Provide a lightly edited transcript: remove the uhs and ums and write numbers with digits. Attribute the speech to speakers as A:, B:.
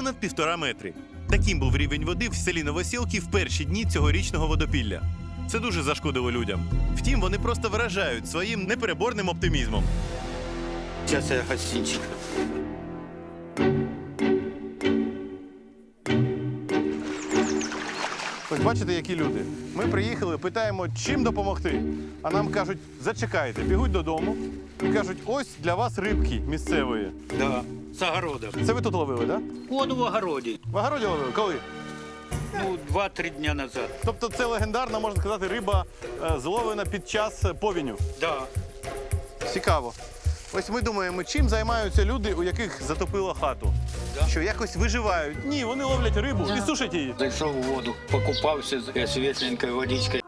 A: понад 1,5 метри. Таким був рівень води в селі Новосілки в перші дні цьогорічного водопілля. Це дуже зашкодило людям. Втім, вони просто вражають своїм непереборним оптимізмом.
B: Сейчас я гостинчик.
C: Ось бачите, які люди. Ми приїхали, питаємо, чим допомогти. А нам кажуть, зачекайте, бігуть додому і кажуть, ось для вас рибки місцевої.
B: Да, с огорода.
C: Це ви тут ловили, так?
B: Воду в огороде.
C: В огороді ловили? Коли?
B: Ну, 2-3 дня назад.
C: Тобто це легендарна, можна сказати, риба зловлена під час повіню.
B: Да.
C: Цікаво. Ось ми думаємо, чим займаються люди, у яких затопило хату?
B: Да.
C: Що якось виживають? Ні, вони ловлять рибу і сушать її.
B: Зайшов у воду, покупався з світленькою водичкою.